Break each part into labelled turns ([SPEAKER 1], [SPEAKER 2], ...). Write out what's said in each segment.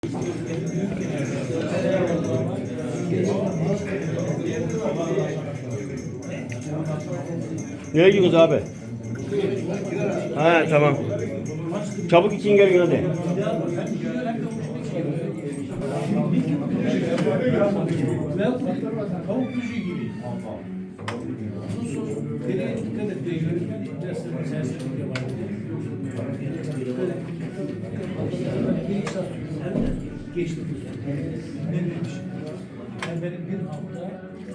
[SPEAKER 1] Nereye gidiyorsunuz abi? Ha tamam. Çabuk için gelin hadi.
[SPEAKER 2] Tavuk kuşu gibi. Nereye dikkat et diye geçti. Benim bir hafta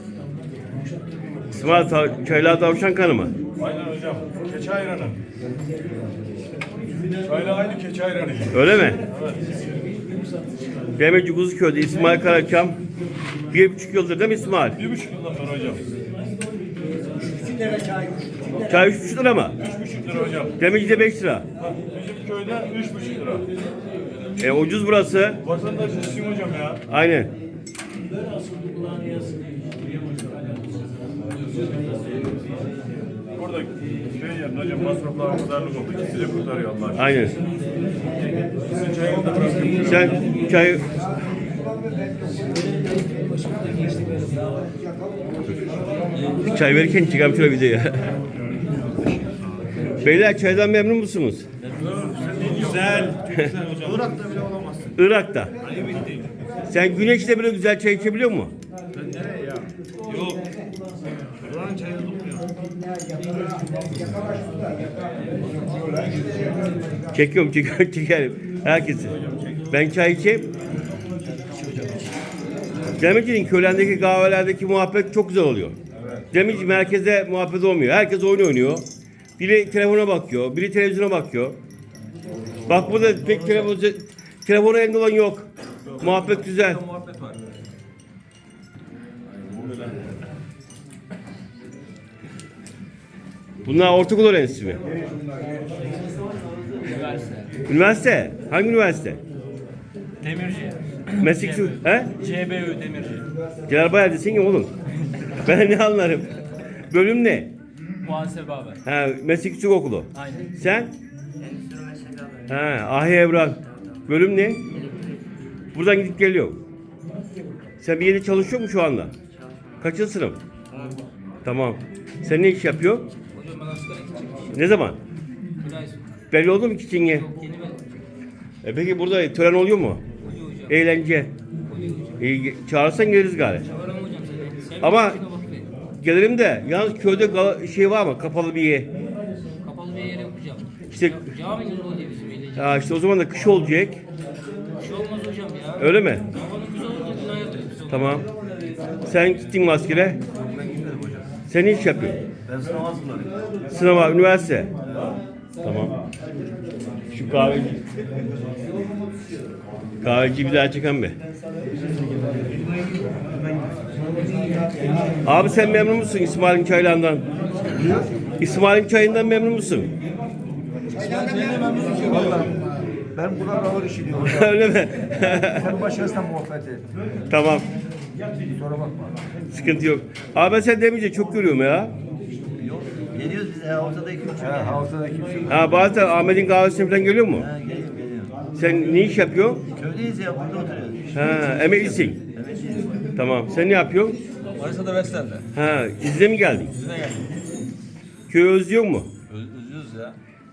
[SPEAKER 1] İsmail çaylar tavşan kanı mı?
[SPEAKER 3] Aynen hocam. Keçi ayranı. Çayla aynı keçi ayranı.
[SPEAKER 1] Öyle mi?
[SPEAKER 3] Evet.
[SPEAKER 1] Demirci Kuzuköy'de İsmail Karakam 1,5 yıldır değil mi İsmail?
[SPEAKER 3] 1,5 yıldan beri hocam.
[SPEAKER 1] Çay 3,5 lira mı?
[SPEAKER 3] 3,5 lira hocam.
[SPEAKER 1] Demirci'de 5 lira.
[SPEAKER 3] Bizim köyde 3,5 lira.
[SPEAKER 1] Ucuz burası.
[SPEAKER 3] Vatandaş isim hocam ya.
[SPEAKER 1] Aynen.
[SPEAKER 3] Burada şey yerine hocam masraflar kadarlık oldu. İkisi de kurtarıyor Allah aşkına.
[SPEAKER 1] Aynen.
[SPEAKER 3] Sizin çayını da bırakayım.
[SPEAKER 1] Sen çay... Çay verirken çıkalım şöyle videoya. Beyler çaydan memnun musunuz?
[SPEAKER 3] Güzel. Çok güzel hocam. Irak'ta bile olamazsın.
[SPEAKER 1] Irak'ta. Sen güneşte bile güzel çay içebiliyor musun?
[SPEAKER 3] Ben nereye ya? Yok. Buranın çayını tutmuyor.
[SPEAKER 1] Çekiyorum, çekerim. Herkesi. Ben çay içeyim. Demirci'nin köylerdeki kahvelerdeki muhabbet çok güzel oluyor. Demirci merkezde muhabbet olmuyor. Herkes oyun oynuyor. Biri telefona bakıyor, biri televizyona bakıyor. Bak burada pek telefonu elinde olan yok. Muhabbet güzel. Bunlar ortaokul öğrencisi mi? Üniversite. Hangi üniversite?
[SPEAKER 4] Demirci.
[SPEAKER 1] Meslek he?
[SPEAKER 4] CBÜ Demirci.
[SPEAKER 1] Celal desin ya oğlum. Ben ne anlarım? Bölüm ne?
[SPEAKER 4] Muhasebe abi.
[SPEAKER 1] Ha, meslek yüksek okulu.
[SPEAKER 4] Aynen.
[SPEAKER 1] Sen? Ha, Ahi Evran. Bölüm ne? Buradan gidip geliyor. Sen bir yerde çalışıyor musun şu anda? Kaçıncı sınıf? Tamam. Sen ne iş yapıyor?
[SPEAKER 4] Hocam ben asgari gideceğim.
[SPEAKER 1] Ne zaman?
[SPEAKER 4] Bir ay sonra.
[SPEAKER 1] Belli oldu mu ki Çinge?
[SPEAKER 4] Yeni ben.
[SPEAKER 1] Peki burada tören oluyor mu?
[SPEAKER 4] Oluyor hocam.
[SPEAKER 1] Eğlence.
[SPEAKER 4] Oluyor hocam.
[SPEAKER 1] Çağırsan geliriz gari.
[SPEAKER 4] Çağıramam hocam seni. Sen
[SPEAKER 1] Ama-
[SPEAKER 4] bir şuna bak be.
[SPEAKER 1] Gelirim de yalnız köyde şey var mı? Kapalı bir yer.
[SPEAKER 4] Kapalı bir yere yapacağım.
[SPEAKER 1] İşte
[SPEAKER 4] Cami gibi oluyor bizim eğlence.
[SPEAKER 1] ya işte o zaman da kış olacak.
[SPEAKER 4] Bir şey olmaz hocam ya.
[SPEAKER 1] Öyle mi?
[SPEAKER 4] Havanın güzel olacak. Gün hayatı güzel olacak.
[SPEAKER 1] Tamam. Sen gittin mi askere?
[SPEAKER 3] Ben gitmedim hocam.
[SPEAKER 1] Sen ne iş yapıyorsun?
[SPEAKER 3] Ben sınav hazırladım.
[SPEAKER 1] Sınava, üniversite. Tamam. Şu kahveci. Kahveci bir daha çeken be. Abi sen memnun musun İsmail'in çaylarından? İsmail'in çayından memnun musun?
[SPEAKER 5] Ben buna ağır işiniyorum.
[SPEAKER 1] Öyle mi?
[SPEAKER 5] Sen başarısından muvaffak et.
[SPEAKER 1] Tamam.
[SPEAKER 5] Sonra bakma.
[SPEAKER 1] Sıkıntı yok. Abi ben sen demeyince çok görüyorum ya.
[SPEAKER 6] Geliyoruz biz haftada 2-3 gün.
[SPEAKER 5] Ha, haftada kimse yok.
[SPEAKER 1] Ha bazen Ahmet'in kahvesine falan geliyor mu?
[SPEAKER 6] Ha, geliyorum.
[SPEAKER 1] Sen ne iş yapıyorsun?
[SPEAKER 6] Köydeyiz ya, burada oturuyoruz.
[SPEAKER 1] Ha, emeklisin.
[SPEAKER 6] Evet.
[SPEAKER 1] Tamam. Sen ne yapıyorsun?
[SPEAKER 4] Manisa'da Vestel'de.
[SPEAKER 1] Ha, izne mi geldin?
[SPEAKER 4] Size geldim.
[SPEAKER 1] Köyü özlüyor mu?
[SPEAKER 4] Üzüyoruz ya.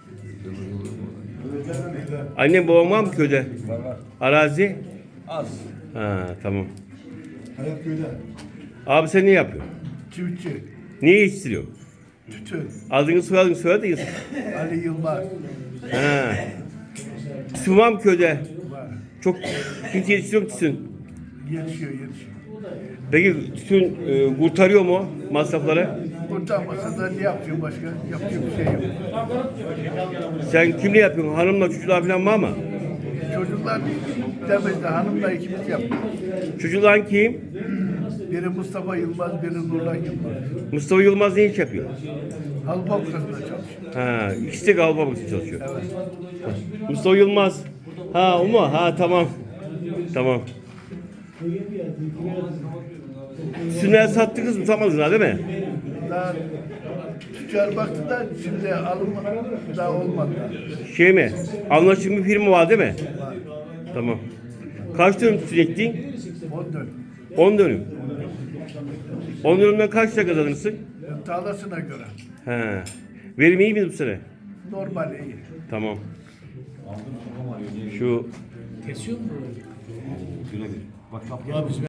[SPEAKER 1] Annem babam var mı köyde?
[SPEAKER 4] Var.
[SPEAKER 1] Arazi?
[SPEAKER 4] Az.
[SPEAKER 1] Ha, tamam.
[SPEAKER 5] Hayat köyde.
[SPEAKER 1] Abi sen ne yapıyorsun?
[SPEAKER 5] Çiftçi,
[SPEAKER 1] Niye yetiştiriyorsun?
[SPEAKER 5] tütün,
[SPEAKER 1] Adını soyadını soyadın.
[SPEAKER 5] Ali Yılmaz
[SPEAKER 1] Ha. Su var mı köyde?
[SPEAKER 5] var.
[SPEAKER 1] Çok tütün yetiştiriyor mu tütün?
[SPEAKER 5] Yetişiyor.
[SPEAKER 1] Peki tütün kurtarıyor mu masrafları?
[SPEAKER 5] Kurtarmasa da ne yapıyor başka? Yapacak bir şey yok.
[SPEAKER 1] Sen kimle yapıyorsun? Hanımla çocuklar falan var mı?
[SPEAKER 5] Çocuklar demezde hanımla ikimiz yaptık.
[SPEAKER 1] Çocuklar kim?
[SPEAKER 5] Biri Mustafa Yılmaz, biri Nurlan Yılmaz.
[SPEAKER 1] Mustafa Yılmaz ne iş yapıyor?
[SPEAKER 5] Halı fabrikasında çalışıyor.
[SPEAKER 1] Ha, ikisi de Galba Bankası çalışıyor. Mustafa Yılmaz. Ha, o mu? Ha, tamam. Tamam. Süner sattınız mı? Samadınız ha, değil mi?
[SPEAKER 5] Daha tüccar baktı da şimdi alım daha olmadı.
[SPEAKER 1] Şey mi? Anlaşılmış bir firma var değil mi? Tamam. Kaç dönüm tütün ektin?
[SPEAKER 5] 10 dönüm.
[SPEAKER 1] 10 dönüm. 10 dönümden kaç lira kazanırsın?
[SPEAKER 5] Tarlasına göre.
[SPEAKER 1] He. Verim iyi mi bu sene?
[SPEAKER 5] Normal iyi.
[SPEAKER 1] Tamam. Şu
[SPEAKER 2] Kesiyor mu?
[SPEAKER 3] Ya biz